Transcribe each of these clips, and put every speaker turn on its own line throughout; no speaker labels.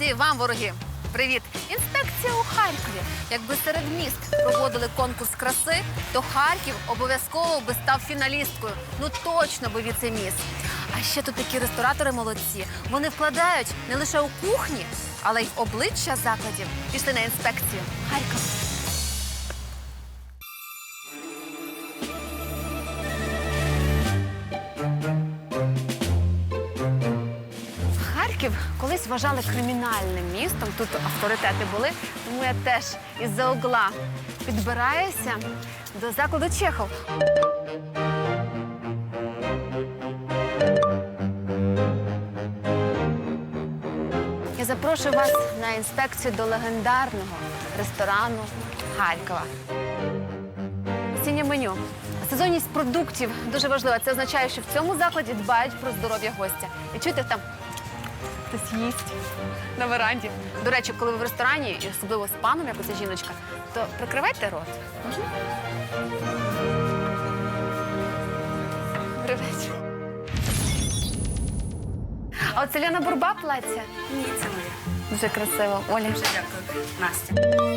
І вам, вороги, привіт! Інспекція у Харкові. Якби серед міст проводили конкурс краси, то Харків обов'язково би став фіналісткою. Ну точно би віце-міс. А ще тут такі ресторатори молодці. Вони вкладають не лише у кухні, але й в обличчя закладів. Пішли на інспекцію. Харків. Харків колись вважали кримінальним містом, тут авторитети були, тому я теж із-за угла підбираюся до закладу Чехов. Я запрошую вас на інспекцію до легендарного ресторану Харкова. Осіннє меню. Сезонність продуктів дуже важлива. Це означає, що в цьому закладі дбають про здоров'я гостя. І чуєте, там хтось їсть на веранді. До речі, коли ви в ресторані, і особливо з паном, як оця жіночка, то прикривайте рот. Добрий вечір. А оце Лена Бурба плаття?
Ні, це моє.
Дуже красиво. Оля.
Дуже дякую. Настя.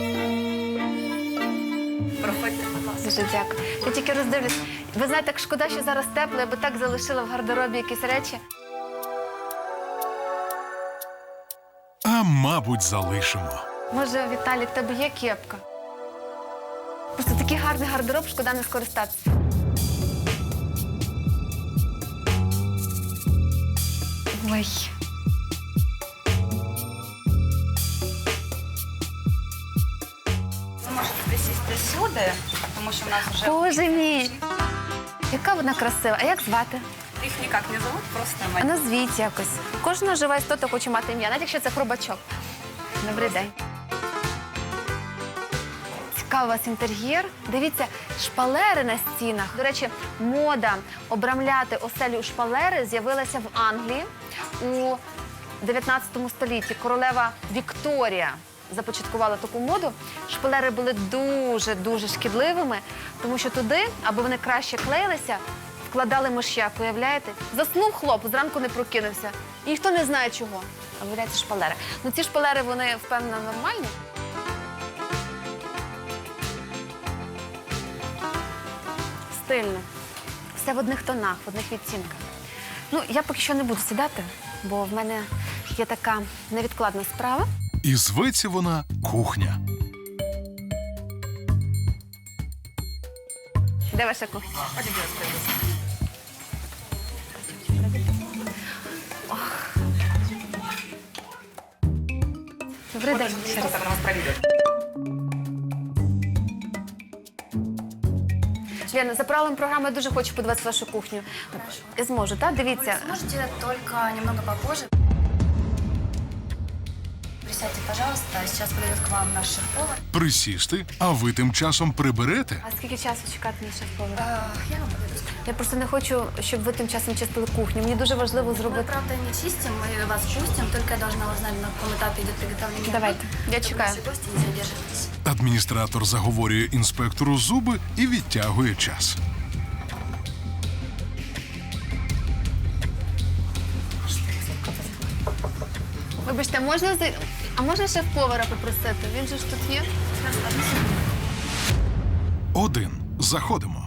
Проходьте, будь ласка.
Дуже дякую. Я тільки роздивлюсь. Ви знаєте, як шкода, що зараз тепло, я би так залишила в гардеробі якісь речі.
А мабуть, залишимо.
Може, Віталій, в тебе є кепка? Просто такий гарний гардероб, шкода не скористатися. Ой.
Ви можете присісти сюди, тому що в нас вже...
Боже мій! Яка вона красива. А як звати?
Їх ніяк не зовут, просто
А
Марія.
назвіть якось. Кожна жива істота хоче мати ім'я, навіть якщо це хробачок. Добрий день. Цікавий у вас інтер'єр. Дивіться, шпалери на стінах. До речі, мода обрамляти оселю у шпалери з'явилася в Англії у 19 столітті. Королева Вікторія започаткувала таку моду. Шпалери були дуже шкідливими, тому що туди, аби вони краще клеїлися, вкладали миш'як, уявляєте? Заснув хлоп, зранку не прокинувся. І ніхто не знає чого. А виявляється, шпалери. Ну ці шпалери, вони, впевнено, нормальні. Стильно. Все в одних тонах, в одних відтінках. Ну, я поки що не буду сідати, бо в мене є така невідкладна справа.
І зветься вона кухня.
Де ваша кухня? Добрий день. Ще раз. Лена, за правилами програми я дуже хочу подивитися вашу кухню. Я зможу, так? Дивіться.
Сможете только немного попозже. Присядьте, пожалуйста. Сейчас подойдет к вам наш шеф-повар.
Присісти, а ви тим часом приберете?
А скільки часу чекати на шеф-повара?
Я вам подойду.
Я просто не хочу, щоб ви тим часом чистили кухню. Мені дуже важливо
Мы,
зробити.
правда, не чистим, мы вас пустим. Только я должна узнать, на каком этапе идет приготовление.
Давайте, я
чтобы
чекаю.
наши гости не задерживались.
Адміністратор заговорює інспектору зуби і відтягує час.
Вибачте, а можна шеф-повара попросити? Він же ж тут є.
1. Заходимо.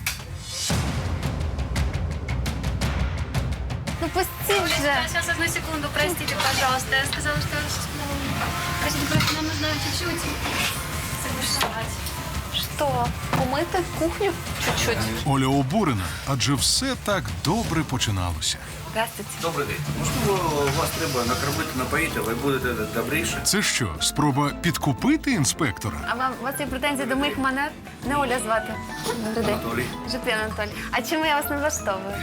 Ну пустіть вже.
Сейчас, одну секунду, простите, пожалуйста. Я сказала, что... Простите, просто нам нужно чуть-чуть согласовать.
Що? Помити кухню? Чуть-чуть.
Оля обурена, адже все так добре починалося.
Здравствуйте.
Добрий день. Можливо, вас треба накормити, напоїти, ви будете добріше.
Це що, спроба підкупити інспектора?
А у вас є претензії до моїх манер? Не Оля звати. Добрий день.
Анатолій.
Житвін Анатолій. А чому я вас не влаштовую?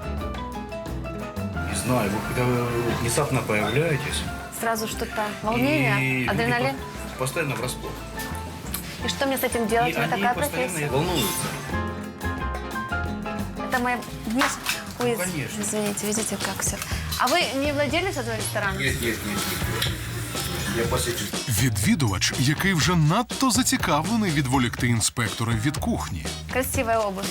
Не знаю, вы когда внезапно появляетесь...
Сразу что-то волнение,
и
адреналин.
люди постоянно врасплох.
И что мне с этим делать?
И
У меня
они
такая
постоянно
профессия.
волнуются.
Это моя... Ой,
конечно.
извините, видите, как все. А вы не владелец этого ресторана?
Нет. Я посечу.
Відвідувач, який вже надто зацікавлений відволікти інспектора від кухні.
Красивая обувь.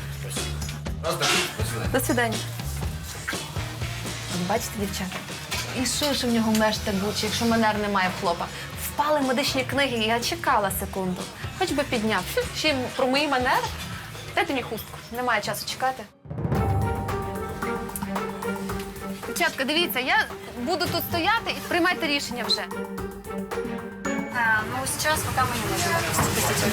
Раз, два, три, до свидания.
До свидання. От бачите, дівчата, І що ж в нього мешти бучі, якщо манер немає в хлопа? Впали медичні книги, і я чекала секунду. Хоч би підняв. Ще й про мої манери? Дайте мені хустку, немає часу чекати. Дівчатка, дивіться, я буду тут стояти і приймайте рішення вже.
Ну, сейчас пока мы не можем допустить.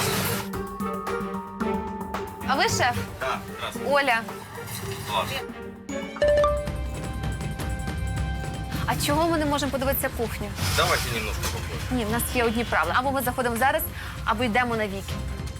А ви шеф?
Да,
Оля.
класс.
А чого ми не можемо подивитися кухню?
Давайте немножко попозже.
Ні, в нас є одні правила. Або ми заходимо зараз, або йдемо на віки.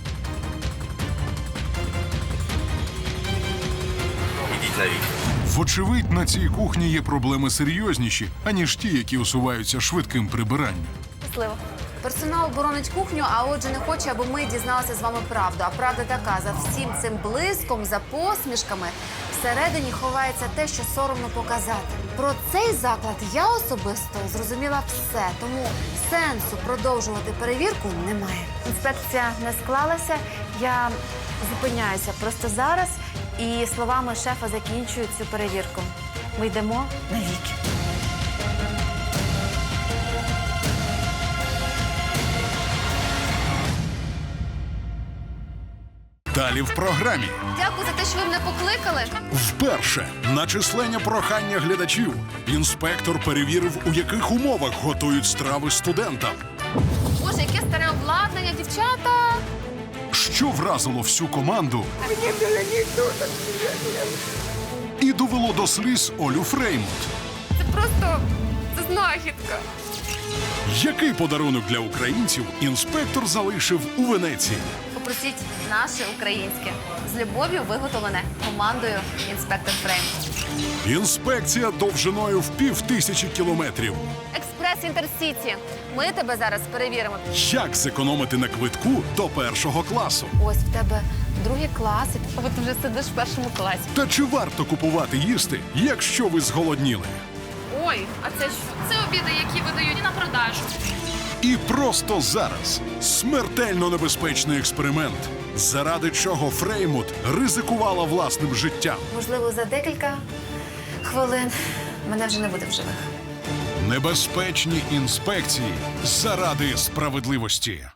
Идите на вид.
Вочевидь, на цій кухні є проблеми серйозніші, аніж ті, які усуваються швидким прибиранням.
Щасливо. Персонал боронить кухню, а отже не хоче, аби ми дізналися з вами правду. А правда така, за всім цим блиском, за посмішками, всередині ховається те, що соромно показати. Про цей заклад я особисто зрозуміла все, тому сенсу продовжувати перевірку немає. Інспекція не склалася, я зупиняюся просто зараз і словами шефа закінчую цю перевірку. Ми йдемо на віки.
Далі в програмі.
Дякую за те, що ви мене покликали.
Вперше на численне прохання глядачів інспектор перевірив, у яких умовах готують страви студентам.
Боже, яке старе обладнання, дівчата!
Що вразило всю команду і довело до сліз Олю Фреймут.
Це просто знахідка.
Який подарунок для українців інспектор залишив у Венеції?
Попросіть наше українське. З любов'ю виготовлене командою «Інспектор Фрейм».
Інспекція довжиною в 5000 кілометрів.
Експрес Інтерсіті. Ми тебе зараз перевіримо.
Як зекономити на квитку до першого класу?
Ось в тебе другий клас, і ти вже сидиш в першому класі.
Та чи варто купувати їсти, якщо ви зголодніли?
Ой, а це що?
Це обіди, які видають на продажу.
І просто зараз смертельно небезпечний експеримент, заради чого Фреймут ризикувала власним життям.
Можливо, за декілька хвилин мене вже не буде в живих.
Небезпечні інспекції заради справедливості.